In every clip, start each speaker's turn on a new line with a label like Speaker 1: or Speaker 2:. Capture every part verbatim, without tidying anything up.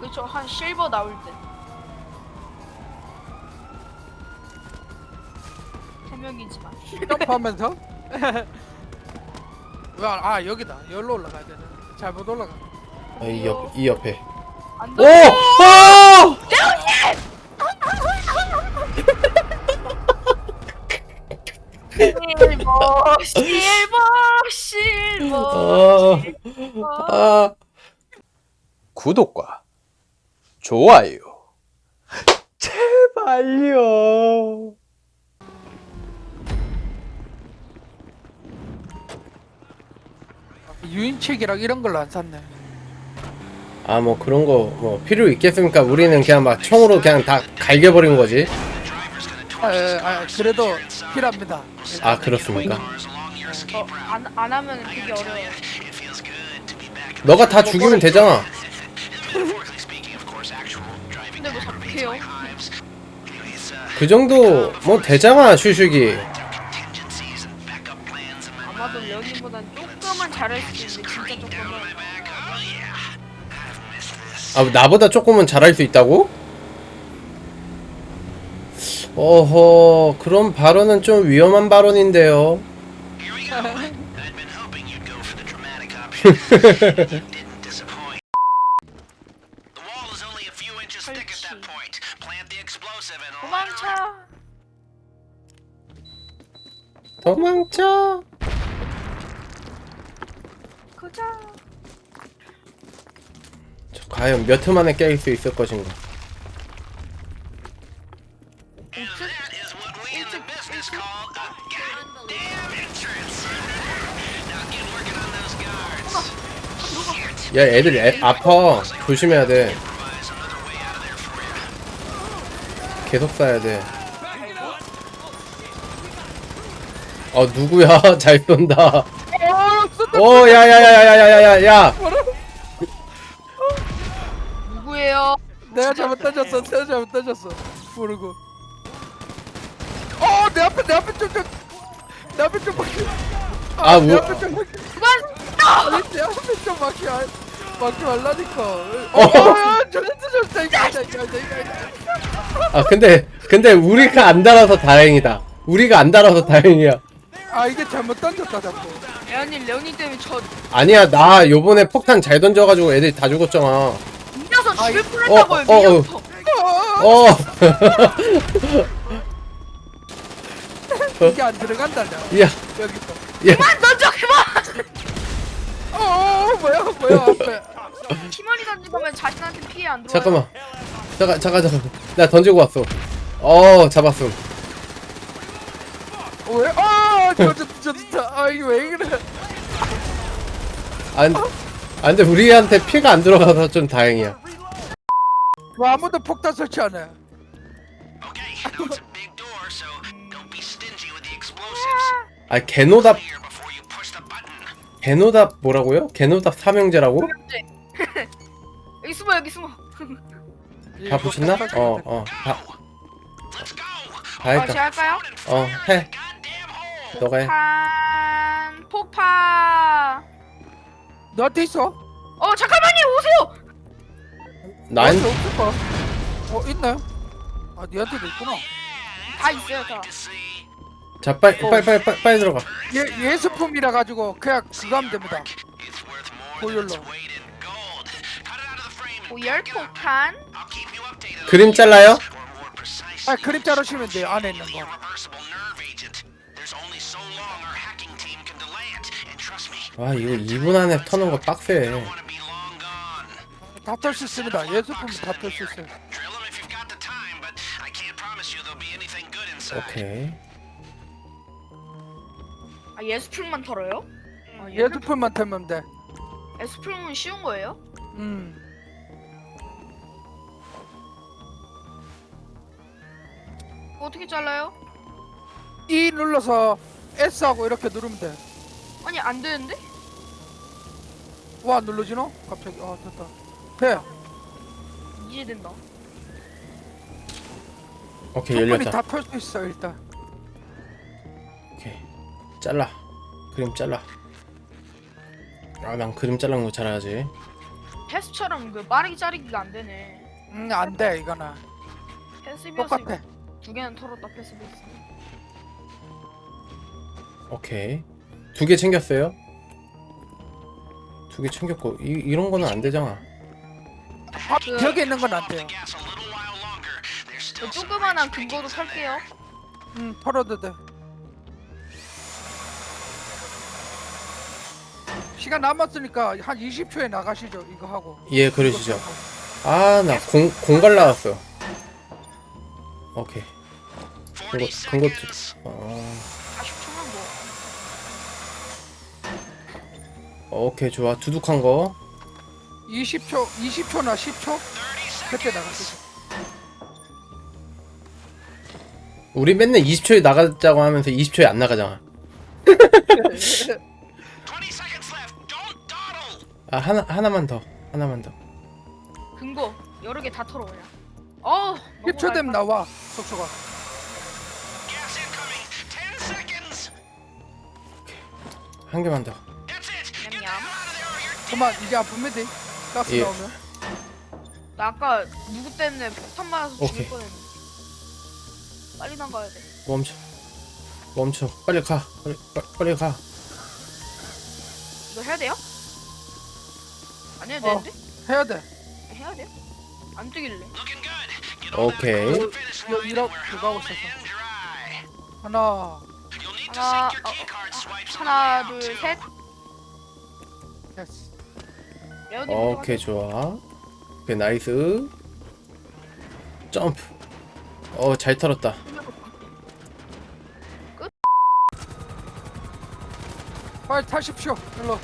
Speaker 1: 그렇죠. 한 실버 나올 때. 세 명이지만.
Speaker 2: 점프하면서? 왜, 아, 여기다. 여기로 올라가야 되네. 잘못 올라가.
Speaker 3: 아, 이 옆, 이 옆에.
Speaker 1: 안
Speaker 3: 오!
Speaker 1: 돼.
Speaker 3: 오!
Speaker 1: 실버, 실버, 실버.
Speaker 3: 아, 아. 구독과 좋아요 제발요.
Speaker 2: 유인책이랑 이런 걸로 안 샀네.
Speaker 3: 아, 뭐 그런 거 뭐 필요 있겠습니까? 우리는 그냥 막 총으로 그냥 다 갈겨버린 거지.
Speaker 2: 아, 예, 아, 그래도 필요합니다.
Speaker 3: 아, 그렇습니까?
Speaker 1: 어, 안, 안 하면 되게 어려워요.
Speaker 3: 너가 다 죽이면 되잖아.
Speaker 1: 근데 뭐 자꾸 해요?
Speaker 3: 그 정도 뭐 되잖아, 슈슈기.
Speaker 1: 아마도 레오님보단 조금은 잘할 수도 있는데 진짜 조금은.
Speaker 3: 아, 나보다 조금은 잘할 수 있다고? 어허, 그런 발언은 좀 위험한 발언인데요.
Speaker 1: 도망쳐.
Speaker 3: 도망쳐.
Speaker 1: 가자.
Speaker 3: 저 과연 몇 회 만에 깰 수 있을 것인가? 야, 애들 애, 아파. 조심해야 돼. 계속 쏴야 돼. 어, 누구야? 잘 쏜다. 오, 야야야야야야야야.
Speaker 1: 누구예요?
Speaker 2: 내가 잘못 던졌어. 내가 잘못 던졌어. 모르고. 어, 내 앞에, 내 앞에 좀, 좀. 내 앞에 좀 막혀.
Speaker 3: 아,
Speaker 2: 내
Speaker 3: 뭐-
Speaker 2: 앞에 좀 막혀.
Speaker 1: 그만.
Speaker 2: 아니, 내 앞에 좀 막혀. 막혀 말라니까. 어,
Speaker 3: 어.
Speaker 2: 어, 저기 던졌다. 이거, 이거, 이거, 이거, 이거.
Speaker 3: 아, 근데 근데 우리가 안 달아서 다행이다. 우리가 안 달아서 다행이야.
Speaker 2: 아, 이게 잘못 던졌다, 자꾸.
Speaker 1: 레오님, 레오님 때문에 저
Speaker 3: 아니야, 나 요번에 폭탄 잘 던져가지고 애들이 다 죽었잖아.
Speaker 1: 밀려서 죽을
Speaker 3: 어,
Speaker 1: 뻔했다고요.
Speaker 3: 어, 어.
Speaker 1: 밀려서.
Speaker 2: 어,
Speaker 3: 어.
Speaker 2: 이게 안 들어간다, 나.
Speaker 3: 야,
Speaker 2: 여기 있어.
Speaker 3: 야.
Speaker 1: 그만 던져 그만.
Speaker 2: 어, 뭐야, 뭐야, 앞에.
Speaker 1: 팀원이 던지면 자신한테 피해 안 들어와요.
Speaker 3: 잠깐만. 잠깐, 잠깐, 잠깐. 나 던지고 왔어. 어, 잡았음.
Speaker 2: 왜? 아, 저, 저, 저, 저, 아, 이게 왜 그래?
Speaker 3: 안, 안 돼. 우리한테 피가 안 들어가서 좀 다행이야.
Speaker 2: 뭐 아무도 폭탄 설치 안 해.
Speaker 3: 아, 개노답, 개노답 뭐라고요? 개노답 삼형제라고?
Speaker 1: 여기 숨어 여기 숨어.
Speaker 3: 다 붙였나? 어, 어, 다, 다
Speaker 1: 어,
Speaker 3: 했다.
Speaker 1: 제가 할까요?
Speaker 3: 어, 해. 너가 해.
Speaker 1: 폭탄 폭파.
Speaker 2: 너한테 있어?
Speaker 1: 어 잠깐만요 오세요.
Speaker 3: 난,
Speaker 2: 너한테 없을 거야. 어, 있나요? 아, 니한테도 있구나.
Speaker 1: 다 있어요 다.
Speaker 3: 자, 빨리, 빨리, 빨리, 빨리, 빨리 들어가.
Speaker 2: 예, 예수품이라 가지고 그냥 그거 하면 됩니다. 보혈로.
Speaker 1: 오열 폭탄.
Speaker 3: 그림 잘라요?
Speaker 2: 아, 그림 자르시면 돼요. 안에 있는 거.
Speaker 3: 와, 이거 이 분 안에 터는 거 빡세.
Speaker 2: 다 털 수 있습니다. 예수품 다 털 수 있어요.
Speaker 3: 오케이.
Speaker 1: 아 예수풀만 털어요? 아,
Speaker 2: 예수품만 털면 돼.
Speaker 1: 예수풀은 쉬운 거예요?
Speaker 2: 음.
Speaker 1: 어떻게 잘라요?
Speaker 2: E 눌러서 S하고 이렇게 누르면 돼.
Speaker 1: 아니 안 되는데?
Speaker 2: 와, 눌러지노? 갑자기. 아, 됐다. 돼.
Speaker 1: 이제 된다.
Speaker 3: 오케이,
Speaker 2: 충분히
Speaker 3: 열렸다.
Speaker 2: 다 털 수 있어, 일단.
Speaker 3: 오케이. 잘라. 그림 잘라. 아, 난 그림 잘라는 거 잘해야지.
Speaker 1: 패스처럼 그 빠르게 자르기가 안 되네.
Speaker 2: 음 안돼 이거는
Speaker 1: 패스
Speaker 2: 똑같아.
Speaker 1: 비어스 두 개는 털었다 패스 비어스.
Speaker 3: 오케이. 두 개 챙겼어요? 두 개 챙겼고 이 이런 거는 안 되잖아.
Speaker 2: 아, 벽에 있는 건 안 돼요.
Speaker 1: 저 조그만한 금고도 살게요.
Speaker 2: 음 털어도 돼. 시간 남았으니까 한 이십 초에 나가시죠 이거 하고.
Speaker 3: 예, 그러시죠. 아, 나 공, 공갈 나왔어. 오케이. 그거, 그거, 어,
Speaker 1: 사십 초만 뭐.
Speaker 3: 오케이, 좋아. 두둑한 거.
Speaker 2: 이십 초, 이십 초나 십 초 그때 나가시죠.
Speaker 3: 우리 맨날 이십 초에 나가자고 하면서 이십 초에 안 나가잖아. 아, 하나, 하나만 더. 하나만 더.
Speaker 1: 금고 여러 개 다 털어 그냥. 어.
Speaker 2: 십 초 되면 나와 속초가.
Speaker 3: 한 개만 더.
Speaker 1: 냠냠.
Speaker 2: 그만 이제 아프면 돼. 가스
Speaker 3: 예.
Speaker 2: 나오면.
Speaker 1: 나 아까 누구 때문에 폭탄 맞아서
Speaker 3: 오케이.
Speaker 1: 죽을 뻔했네. 빨리 나가야 돼.
Speaker 3: 멈춰. 멈춰. 빨리 가. 빨리, 빨리, 빨리 가.
Speaker 1: 이거 해야 돼요? 안 해도
Speaker 2: 어.
Speaker 1: 되는데?
Speaker 2: 해야 돼.
Speaker 1: 해야 돼요? 안 뜨길래.
Speaker 3: 오케이.
Speaker 2: 이거 이러 그거 하고 있어서. 하나,
Speaker 1: 하나, 어, 어, 하나, 둘, 셋.
Speaker 2: 됐어.
Speaker 1: 레오님
Speaker 3: 오케이, 좋아. 오케이, 나이스. 점프. 어, 잘 털었다.
Speaker 2: 빨리 타십시오. 일로.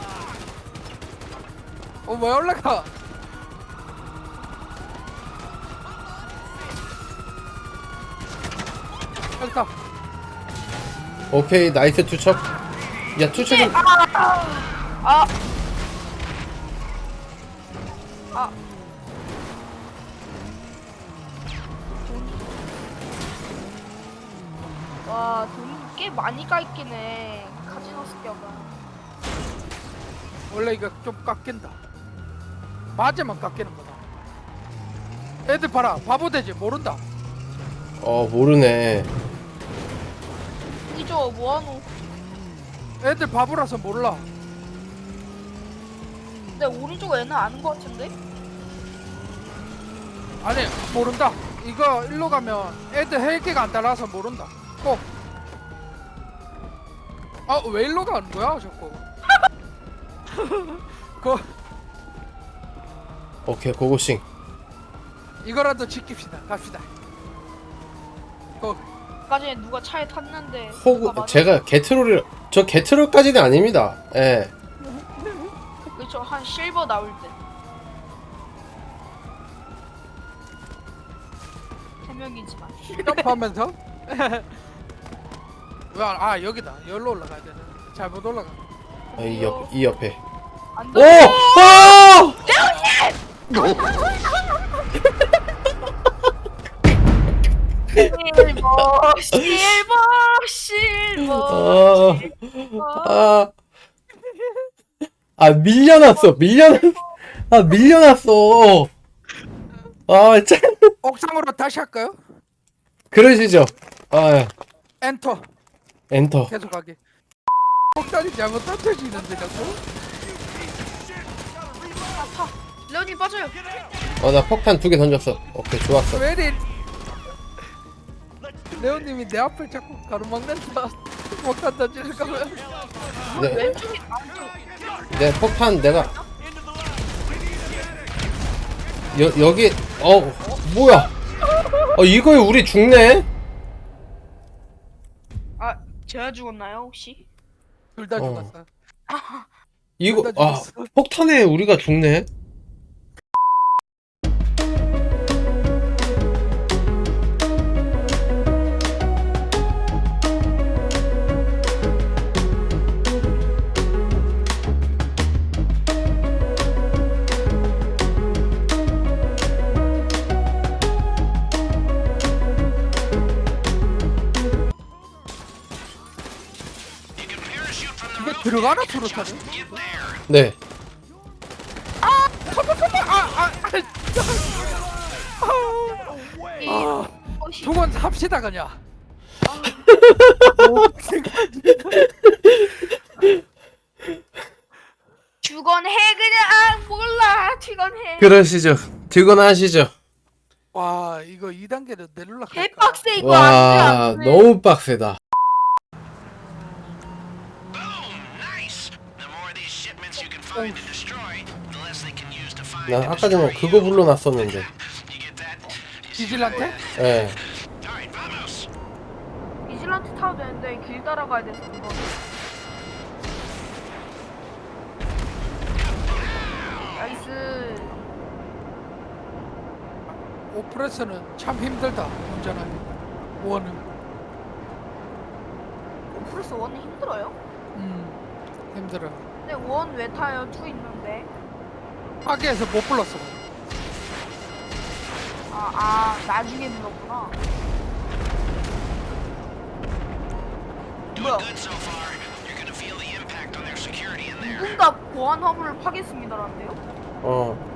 Speaker 2: 어, 왜 올라가? 빨리 타.
Speaker 3: 오케이, 나이스 투척. 야, 투척은.
Speaker 1: 아, 아, 와, 돈 꽤 많이 깎이네 카지노 습격은.
Speaker 2: 원래 이거 좀 깎인다. 맞으면 깎이는 거다. 애들 봐라. 바보 되지 모른다.
Speaker 3: 어, 모르네.
Speaker 1: 이저 뭐하노?
Speaker 2: 애들 바보라서 몰라.
Speaker 1: 근데 오른쪽 애는 아는 거 같은데?
Speaker 2: 아니 모른다. 이거 일로 가면 애들 헬기가 안 따라서 모른다. 꼭. 아 왜 일로 가는 거야 자꾸? 그
Speaker 3: 오케이, 고고싱.
Speaker 2: 이거라도 지킵시다. 갑시다. 고.
Speaker 1: 아까 전에 누가 차에 탔는데
Speaker 3: 호구,
Speaker 1: 누가
Speaker 3: 제가 게트롤을, 저 게트롤까지는 아닙니다. 예.
Speaker 1: 그쵸, 한 실버 나올 때. 세 명이지만.
Speaker 2: 점프하면서. 와, 아 여기다. 여기로 올라가야 되네. 잘못 올라가.
Speaker 3: 아, 이 옆, 이 옆에.
Speaker 1: 안
Speaker 3: 오!
Speaker 1: 돼.
Speaker 3: 오!
Speaker 1: 실버, 실버, 실버.
Speaker 3: 아, 아, 아, 밀려났어, 밀려났어. 아, 밀려났어. 아, 참.
Speaker 2: 옥상으로 다시 할까요?
Speaker 3: 그러시죠. 아,
Speaker 2: 엔터.
Speaker 3: 엔터.
Speaker 2: 계속 하기. 폭탄이 잘못 던져지는데 자꾸.
Speaker 1: 아파. 레오님 빠져요.
Speaker 3: 어, 나 폭탄 두 개 던졌어. 오케이, 좋았어.
Speaker 2: 왜 이리 레오님이 내 앞을 자꾸 가로막는다. 폭탄 던지는 거면.
Speaker 3: 네,
Speaker 1: 왼쪽이 안쪽.
Speaker 3: 네, 폭탄 내가. 여, 여기, 어, 뭐야. 어, 이거에 우리 죽네?
Speaker 1: 아, 제가 죽었나요 혹시?
Speaker 2: 둘 다
Speaker 3: 어.
Speaker 2: 죽었어.
Speaker 3: 이거,
Speaker 2: 둘다
Speaker 3: 아,
Speaker 2: 죽었어.
Speaker 3: 폭탄에 우리가 죽네?
Speaker 2: 이게 들어가나 수류탄은?
Speaker 3: 네.
Speaker 1: 이
Speaker 2: 아,
Speaker 1: 어시
Speaker 2: 두건 합시다 그냥.
Speaker 1: 주건해 그냥 아, 몰라 주건해.
Speaker 3: 그러시죠. 들거나 하시죠.
Speaker 2: 와 이거 이 단계로 내릴라 할까?
Speaker 1: 개빡세 이거
Speaker 3: 와,
Speaker 1: 안돼 안돼.
Speaker 3: 너무 빡세다. 난 아까 전에 그거 불러놨었는데.
Speaker 2: 디질한테?
Speaker 3: 예.
Speaker 1: 이질란트 타도 되는데 길 따라가야 돼서 그거. 나이스.
Speaker 2: 오프레스는 참 힘들다 운전하기. 원은
Speaker 1: 오프레스 원은 힘들어요?
Speaker 2: 음 힘들어.
Speaker 1: 근데 원 왜 타요? 투 있는데.
Speaker 2: 파괴해서 못 불렀어.
Speaker 1: 아, 아 나중에 불렀구나. 뭐야? 누군가 보안 화물을 파괴했습니다라는데요?
Speaker 3: 어.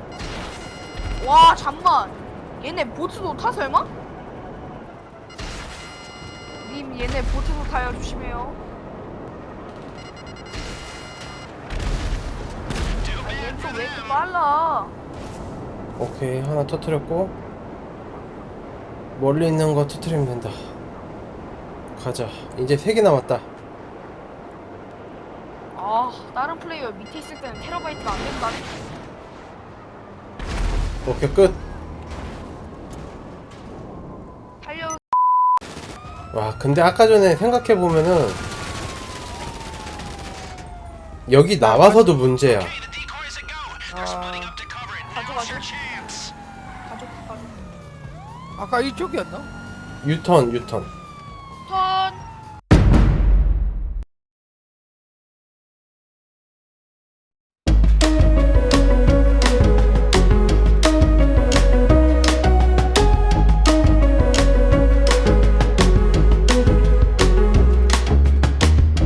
Speaker 1: 와 잠만. 얘네 보트도 타 설마? 님 얘네 보트도 타요 조심해요. 아, 얘는 또 왜 이렇게 빨라?
Speaker 3: 오케이. 하나 터뜨렸고. 멀리 있는 거 터뜨리면 된다. 가자. 이제 세 개 남았다.
Speaker 1: 아 다른 플레이어 밑에 있을 때는 테라바이트가 안 된다.
Speaker 3: 오케이, 끝.
Speaker 1: 달려.
Speaker 3: 와, 근데 아까 전에 생각해보면은 여기 나와서도 문제야.
Speaker 2: 아
Speaker 1: 가져 가져. 가져 가져.
Speaker 2: 아까 이쪽이었나?
Speaker 3: 유턴, 유턴.